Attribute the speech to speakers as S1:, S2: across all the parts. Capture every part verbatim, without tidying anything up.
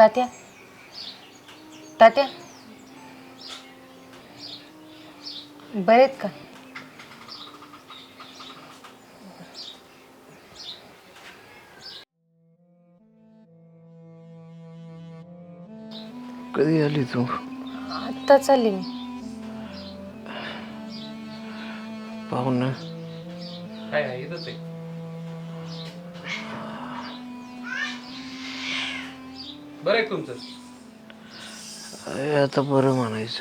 S1: तात्या तात्या बरेत का?
S2: कधी आली तू?
S1: आत्ता चालली मी.
S2: पाहून ना
S3: काय आहे इथंच आहे. बरं आहे तुमचं?
S2: अरे आता बरं म्हणायचं.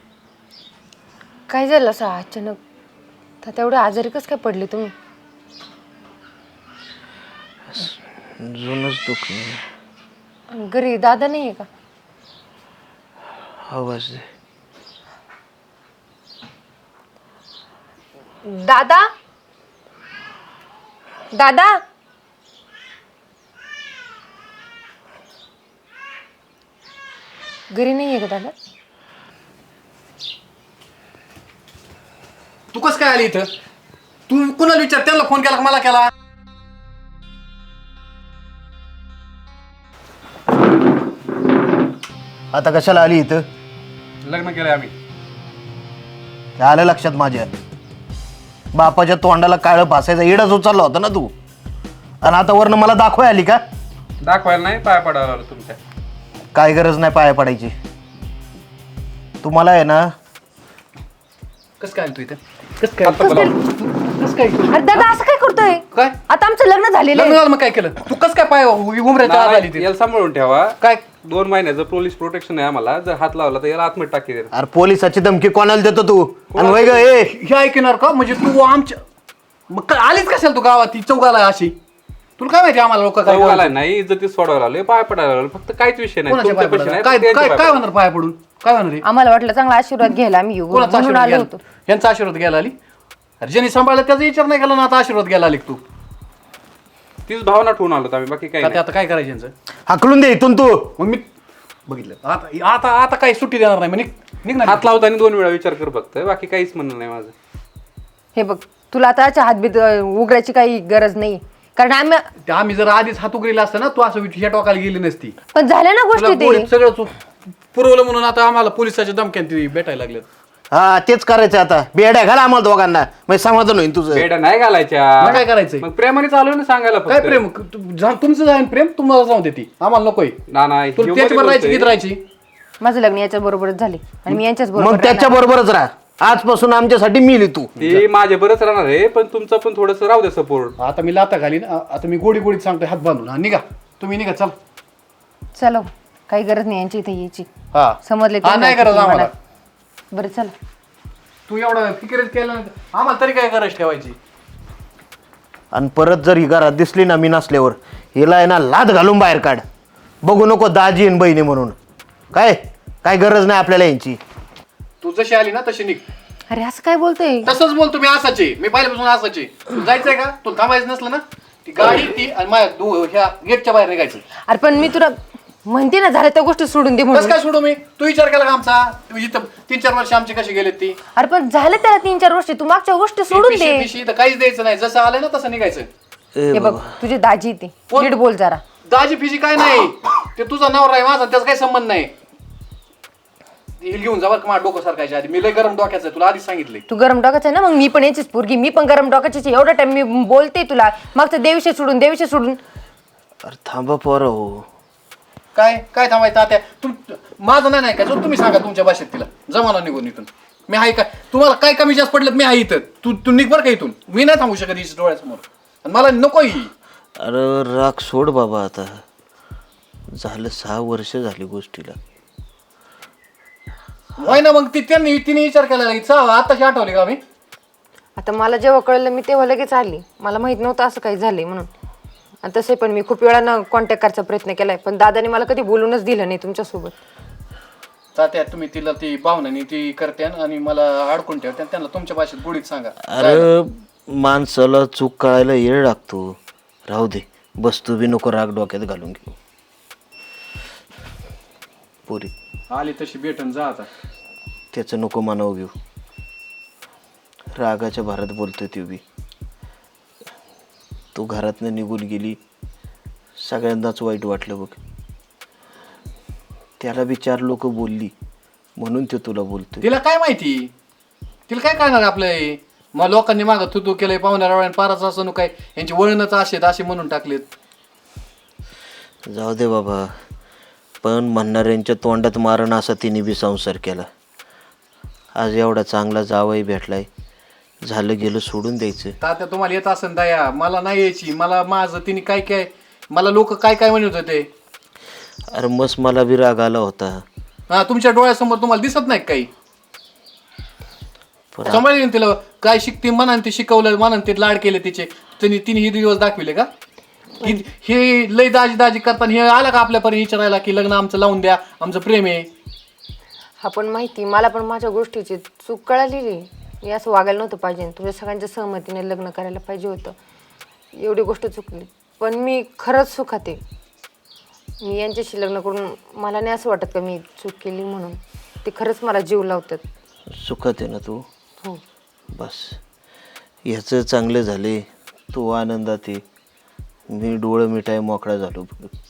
S1: काय झालं असं अचानक? तात्या एवढे आजारी कसं काय पडले तुम्ही?
S2: जुनच दुखणे.
S1: घरी दादा नाही आहे का?
S2: आवाज दे.
S1: दादा दादा घरी नाही आहे का दादा?
S4: तू कसं काय आली इथं? तू कुणाला विचार, त्यांना फोन केला का मला केला?
S2: आता कशाला आली इथं?
S3: लग्न केलंय आम्ही.
S2: आलं लक्षात माझ्या. बापाच्या तोंडाला काळं फासायचा इडच उचलला होता ना तू, आणि आता वरनं मला दाखवाय आली का?
S3: दाखवायला नाही, पाया पडायला आलो तुमच्या.
S2: काय गरज नाही पाया पडायची. तुम्हाला आहे ना.
S4: कसं काय आली तू इथं? कसं काय
S3: आता बोलावं.
S4: कसं काय इथं?
S1: अरे दादा असं काय करतोय?
S4: काय
S1: आता आमचं लग्न झालेलं
S4: लग्न
S1: आहे.
S4: झालं मग काय केलं? तू कसं काय पाय उमऱ्याच्या आत आली
S3: नाही,
S4: ती?
S3: याला सांभाळून ठेवा.
S4: काय
S3: दोन महिन्याचं पोलीस प्रोटेक्शन आहे आम्हाला. जर हात लावला तर याला आतमध्ये टाकी दे.
S2: अरे पोलिसाची धमकी कोणाला देतो तू? आणि वय ग ए
S4: हे ऐकणार का? म्हणजे तू आमच्या मग काय आलीच कशाला तू गावात? ती चौकाला अशी तुला काय माहिती आम्हाला लोक काय
S3: चौघाला नाही, इज्जतीत सोडायला आलोय, पाया पडायला आलोय. फक्त काहीच विषय नाही.
S4: कोणाच्या
S3: तुमच्या
S4: पाय
S3: पैसे
S4: पडणार?
S3: नाही,
S4: काय
S3: त्यांचे
S4: काय
S3: पाय
S4: काय
S3: पडणार.
S4: होणार पाया पडून? काय होणार आहे?
S1: आम्हाला वाटलं चांगला आशीर्वाद घ्यायला आम्ही येऊ
S4: कोणाचा
S1: म्हणून
S4: आशीर्वाद
S1: आलो
S4: घ्यायला?
S1: होतो.
S4: यांचा आशीर्वाद घ्यायला आली? अरे ज्यांनी सांभाळलं त्याचा विचार नाही केला ना, आता आशीर्वाद घ्यायला आली तू?
S3: तीच भावना ठेवून आलो आम्ही, बाकी काही
S4: का ते
S3: नाही.
S4: आता काय करायचं यांचं?
S2: हाकलून दे इथून तू.
S4: मग मी बघितलं आता आता आता काही सुट्टी देणार नाही. म्हणजे निघणार
S3: हात लावताना दोन वेळा विचार कर फक्त, बाकी काहीच म्हणणं नाही माझं.
S1: हे बघ तुला आता याच्या हातबीत उघडायची काही गरज नाही, कारण आम्ही
S4: ते आम्ही जर आधीच हात उघडला असतं ना, तू असं ह्या टोकाला गेली नसती.
S1: पण झाल्या ना
S4: तुला
S1: गोष्टी
S4: गोळीत
S1: ते.
S4: सगळं चु- पुरवलं म्हणून आता आम्हाला पोलिसाच्या धमक्यात ती भेटायला लागलेत.
S2: हा तेच करायचं आता. बेड्या घाला आम्हाला दोघांना, म्हणजे समाधान होईल तुझं.
S3: बेड्या नाही घालायच्या.
S4: मग काय करायचंय?
S3: मग प्रेमाने चालू ना सांगायला फक्त.
S4: काय प्रेम तू- जा- तुमचं जाईन प्रेम तुम्हाला जाऊ देते, आम्हाला नकोय.
S3: ना नाही,
S4: तुला त्याच्यावर राहायची किती राहायची?
S1: माझं लग्न याच्या बरोबरच झाले आणि मी यांच्याच
S2: मग
S1: बरोबर
S2: त्याच्या बरोबरच राहा. आजपासून आमच्यासाठी मिली तू.
S3: ते माझ्या बरंच राहणार आहे, पण तुमचं पण थोडस राहू दे सपोर्ट.
S4: आता मी लाता घालीन. आ- आता मी गोडी गोडीत सांगतोय, हात बांधून. हा निघा तुम्ही, निघा चल.
S1: चलो काही गरज नाही यांची इथे यायची.
S4: हा
S1: समजले
S4: हा, नाही गरज आम्हाला.
S1: बरं चला.
S4: तू एवढं फिकिरच केलं नाही, आम्हाला तरी काय गरज ठेवायची?
S2: आणि परत जर ही घरात दिसली ना मी नसल्यावर, हिला आहे ना लाद घालून बाहेर काढ. बघू नको दाजी आणि बहिणी म्हणून. काय काय गरज नाही आपल्याला यांची.
S4: तू जशी आली ना तशी निघ.
S1: अरे असं काय बोलतोय?
S4: तसंच बोलतो मी, असाचे मी पहिल्यापासून असाचे. तू जायचंय का? तू थांबायचं नसलं ना, ती गाडी ती आणि माझ्या दो- ह्या गेटच्या बाहेर निघायचं.
S1: अरे पण मी तुला म्हणते ना, झाल्या त्या गोष्टी सोडून दे
S4: कसं
S1: म्हणून.
S4: काय सोडू मी? तू विचार केला का आमचा? तू इथं तीन चार वर्ष आमचे कसे गेलेत ती?
S1: अरे पण झालं त्याला तीन चार गोष्टी, तू मागच्या गोष्टी सोडून
S4: पिशी-
S1: दे.
S4: पिशी तर काहीच द्यायचं नाही, जसं आलंय ना तसं निघायचं.
S1: हे बघ तुझी दाजी ते
S4: कोण?
S1: नीट बोल जरा.
S4: दाजी फिजी काय नाही, ते तुझा नवरा आहे, माझा त्याचा काही संबंध नाही. हिल घेऊन जा बरं का, माझं डोकं सारखायच्या आधी. मी लय गरम डोक्याचं आहे, तुला आधीच सांगितलंय.
S1: तू गरम डोकाचं आहे ना, मग मी पण याचीच पोरगी, मी पण गरम डोकाचीच आहे. एवढा टाइम मी बोलते तुला, मागचं देवीशी सोडून देवीशी सोडून.
S2: अरे थांबा पोरं हो.
S4: काय काय थांबायचं आता? तुम माझं नाही नाही का, जो तुम्ही सांगा तुमच्या भाषेत तिला. जमाना निघून इथून. मी आहे काय, तुम्हाला काय कमी जास्त पडलं मी आहे इथं. तू तू निघ बरं का इथून. मी नाही थांबू शकत हिच्या डोळ्यासमोर, आणि मला नको ही.
S2: अरे राग सोड बाबा. आता झालं सहा वर्ष झाली गोष्टीला.
S4: होय ना, मग ती त्यांनी तिने विचार केला लागेल. आताशी आठवली का मी?
S1: आता मला जेव्हा कळलं मी तेव्हा लगेच आली. मला माहित नव्हतं असं काही झालंय म्हणून. आणि तसे पण मी खूप वेळानं कॉन्टॅक्ट करायचा प्रयत्न केलाय, पण दादाने मला कधी बोलूनच दिलं नाही तुमच्यासोबत.
S4: तात्या तुम्ही तिला ती भावनानी ती करते आणि मला अडकून ठेवते, त्यांना तुमच्या भाषेत गोडीत सांगा.
S2: अरे माणसाला चूक कळायला येळ लागतो. राहू दे, बस तू बी नको राग डोक्यात घालून घेऊ. पुरी
S4: आली तशी भेटून जा आता.
S2: त्याचं नको मानावं घेऊ. रागाच्या भारत बोलतोय ती बी. तू घरातनं निघून गेली, सगळ्यांनाच वाईट वाटलं बघ. त्याला बी चार लोक बोलली म्हणून ते तुला बोलतोय.
S4: तिला काय माहिती, तिला काय कळणार आपलं हे? मग लोकांनी मागं तू तू केलंय पाहुण्या रावळ्या पाराच असं काय, यांची वळणच असेत असे म्हणून टाकलेत.
S2: जाऊ दे बाबा, पण म्हणणाऱ्यांच्या तोंडात मारण असा तिने बी संसार केला. आज एवढा चांगला जावई भेटलाय, झालं गेलं सोडून द्यायचं.
S4: तात्या तुम्हाला येत असेल दया, मला नाही यायची. मला माझं तिने काय काय, मला लोक काय काय म्हणत होते.
S2: अरे मस्त मला बी राग आला होता.
S4: हा तुमच्या डोळ्यासमोर तुम्हाला दिसत नाही काही.
S2: पण
S4: सांभाळले ना तिला, काय शिकते म्हणान ते शिकवलं, म्हणान ते लाड केले तिचे, तिने तिने हे दिवस दाखविले का? हि- हे लय दाजी दाजी करताना हे आला का आपल्यापर्यंत विचारायला की लग्न आमचं लावून द्या, आमचं प्रेम आहे.
S1: हा पण माहिती, मला पण माझ्या गोष्टीची चूक कळालेली. मी असं वागायला नव्हतं पाहिजे, तुझ्या सगळ्यांच्या सहमतीने लग्न करायला पाहिजे होतं. एवढी गोष्ट चुकली, पण मी खरंच सुखात आहे. मी यांच्याशी लग्न करून मला नाही असं वाटत का मी चूक केली म्हणून. ते खरंच मला जीव लावतात.
S2: सुखात आहे ना तू?
S1: हो.
S2: बस ह्याचं चांगलं झाले, तू आनंदात आहे, मी डोळं मिठाय मोकळा झालो.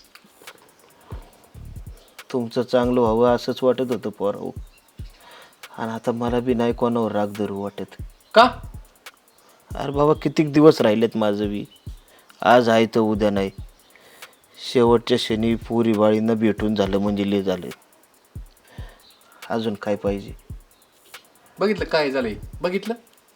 S2: तुमचं चांगलं व्हावं असंच वाटत होतं पोराव. आणि आता मला बी नाही कोणावर राग धरू वाटत.
S4: का?
S2: अरे बाबा कितीक दिवस राहिलेत माझं बी. आज आहे तर उद्या नाही. शेवटच्या शनी पुरी बाळीनं भेटून झालं म्हणजे ले झालं. अजून काय पाहिजे?
S4: बघितलं काय झालंय, बघितलं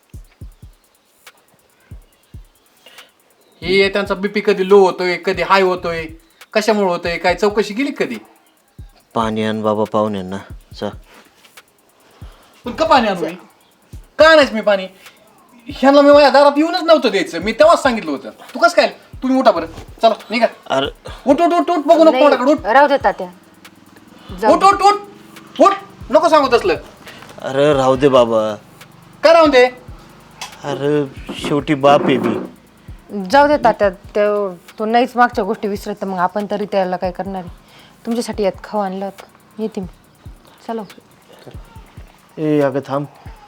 S4: हे त्यांचा बीपी कधी लो होतोय, कधी हाय होतोय, कशामुळे होतोय, काय चौकशी केली कधी?
S2: पाणी आण बाबा पाहुण्यांना चा.
S4: पण का पाणी आणू मी? का आणायच मी पाणी? ह्यांना मी माझ्या दारात येऊनच नव्हतं द्यायचं. मी तेव्हाच सांगितलं होतं. तू कसं काय? तुम्ही उठा बरं, चला निघा.
S2: अरे
S4: उठ उठ उठ उठ, बघू नको कोणाकडे. उठ
S1: नाही, राहू दे तात्या.
S4: उठ उठ उठ उठ, नको सांगू तसलं.
S2: अरे राहू दे बाबा.
S4: काय राहून दे?
S2: अरे शेवटी बाप आहे मी.
S1: जाऊ दे तात्या. तो तो नाहीच मागच्या गोष्टी विसरत, तर मग आपण तरी त्याला काय करणार आहे. तुमच्यासाठी यात खाऊ आणलं होतं, येते मी. चला.
S2: ए अगं थांब.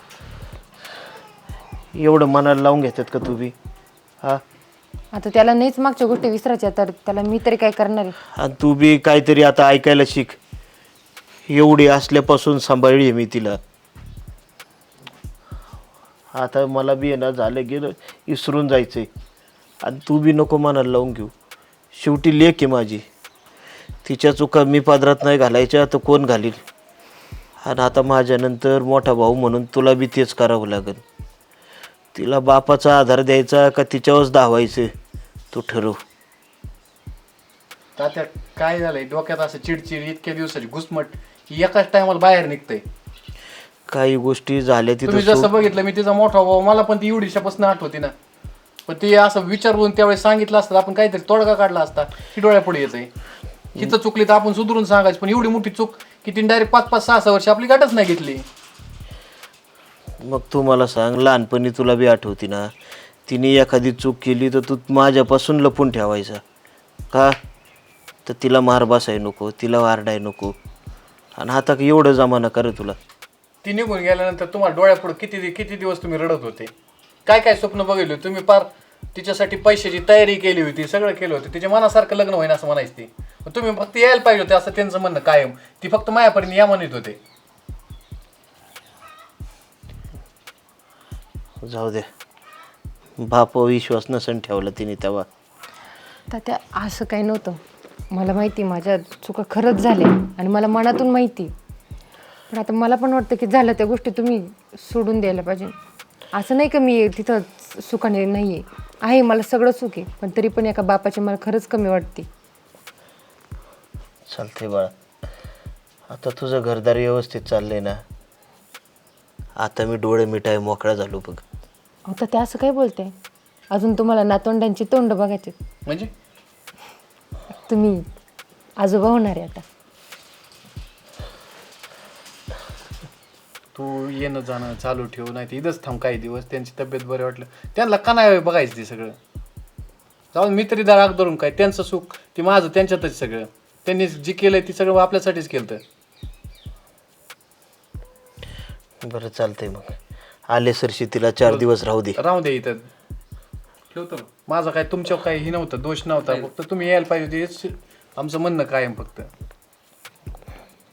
S2: एवढं मनाला लावून घेतात का तू बी? हा,
S1: आता त्याला नाहीच मागच्या गोष्टी विसरायच्या, तर त्याला मी तरी काय करणार आहे.
S2: आणि तू बी काहीतरी आता ऐकायला शिक. एवढी असल्यापासून सांभाळली आहे मी तिला. आता मला बी आहे ना, झालं गेलं विसरून जायचंय. आणि तू बी नको मनाला लावून घेऊ. शेवटी लेक आहे माझी. तिच्या चुका मी पदरात नाही घालायच्या तर कोण घालील? आणि आता माझ्यानंतर मोठा भाऊ म्हणून तुला बी तेच करावं लागेल. तिला बापाचा आधार द्यायचा का तिच्यावरच धावायचं तू ठरव.
S4: तात्या काय झालंय डोक्यात असं चिडचिड, इतक्या दिवसाची घुसमट, ही एकाच टायमाला बाहेर निघतंय.
S2: काही गोष्टी झाल्या
S4: तुम्ही
S2: तिथं
S4: जसं बघितलं, मी तिचा मोठा भाऊ, मला पण ती एवढीशापासून आठवती ना. पण ते असं विचारून त्यावेळेस सांगितलं असतं, आपण काहीतरी तोडगा काढला असता. ही डोळ्यापुढे येतंय. हिचं चुकली तर आपण सुधरून सांगायचं, पण एवढी मोठी चूक की तिने डायरेक्ट पाच पाच सहा सहा वर्ष आपली गाठच नाही घेतली.
S2: मग तू मला सांग, लहानपणी तुला बी आठवती ना, तिने एखादी चूक केली तर तू माझ्यापासून लपून ठेवायचा का? तर तिला मार बसाय नको, तिला वारडाय नको. आणि आता एवढं जमाना कर तुला.
S4: ती निघून गेल्यानंतर तुम्हाला डोळ्यापुढे किती किती दिवस तुम्ही रडत होते. काय काय स्वप्न बघितले तुम्ही. पार तिच्यासाठी पैशाची तयारी केली होती, सगळं केलं होतं. तिच्या मनासारखं लग्न होईन असं म्हणायचं ती. तुम्ही फक्त यायला पाहिजे होते असं त्यांचं म्हणणं कायम. ती फक्त मायापर्यंत या म्हणत होते.
S2: जाऊ दे. बाप विश्वास नसन ठेवला तिने तेव्हा.
S1: तात्या असं काही नव्हतं. मला माहिती माझ्या चुका खरंच झाल्या आणि मला मनातून माहिती. पण आता मला पण वाटतं की झालं त्या गोष्टी तुम्ही सोडून द्यायला पाहिजे. असं नाही का मी तिथं सुखाने नाही आहे, आहे मला सगळं सुख आहे. पण तरी पण एका बापाची मला खरंच कमी वाटते.
S2: चालते बाळा. आता तुझं घरदार व्यवस्थित चाललंय ना? आता मी डोळे मिठाय मोकळा झालो बघ.
S1: आता ते असं काय बोलते? अजून तुम्हाला नातवंडांची तोंड बघायचे.
S4: म्हणजे
S1: तुम्ही आजोबा होणार आहे आता.
S4: तू येणं जाणं चालू ठेव, नाही तर इथंच थांब काही दिवस. त्यांची तब्येत बरं वाटलं त्यांना का नाही बघायचं ते सगळं. जाऊन मी तरी राग धरून काय, त्यांचं सुख ते माझं त्यांच्यातच सगळं. त्यांनी जे केलंय ते सगळं आपल्यासाठीच केलं.
S2: बरं चालतंय मग. आले सरशी तिला चार दिवस राहू दे.
S4: राहू दे इथं ठेवतो. माझं काय तुमच्यावर काही हे नव्हतं, दोष नव्हता. फक्त तुम्ही यायला पाहिजे होते, हेच आमचं म्हणणं कायम. फक्त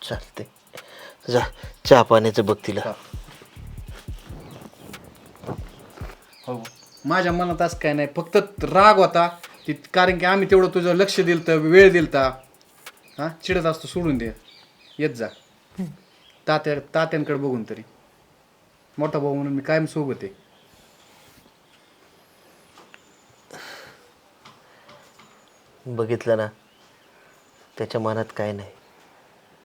S2: चालते जा चहा पाण्याचं बघ तिला.
S4: हो माझ्या मनात असं काय नाही, फक्त राग होता ती, कारण की आम्ही तेवढं तुझं लक्ष दिलं, वेळ दिलता. हां चिडत असतो सोडून दे, येत जा तात्या तात्यांकडे बघून तरी. मोठा भाऊ म्हणून मी कायम सोबत आहे.
S2: बघितलं ना त्याच्या मनात काय नाही.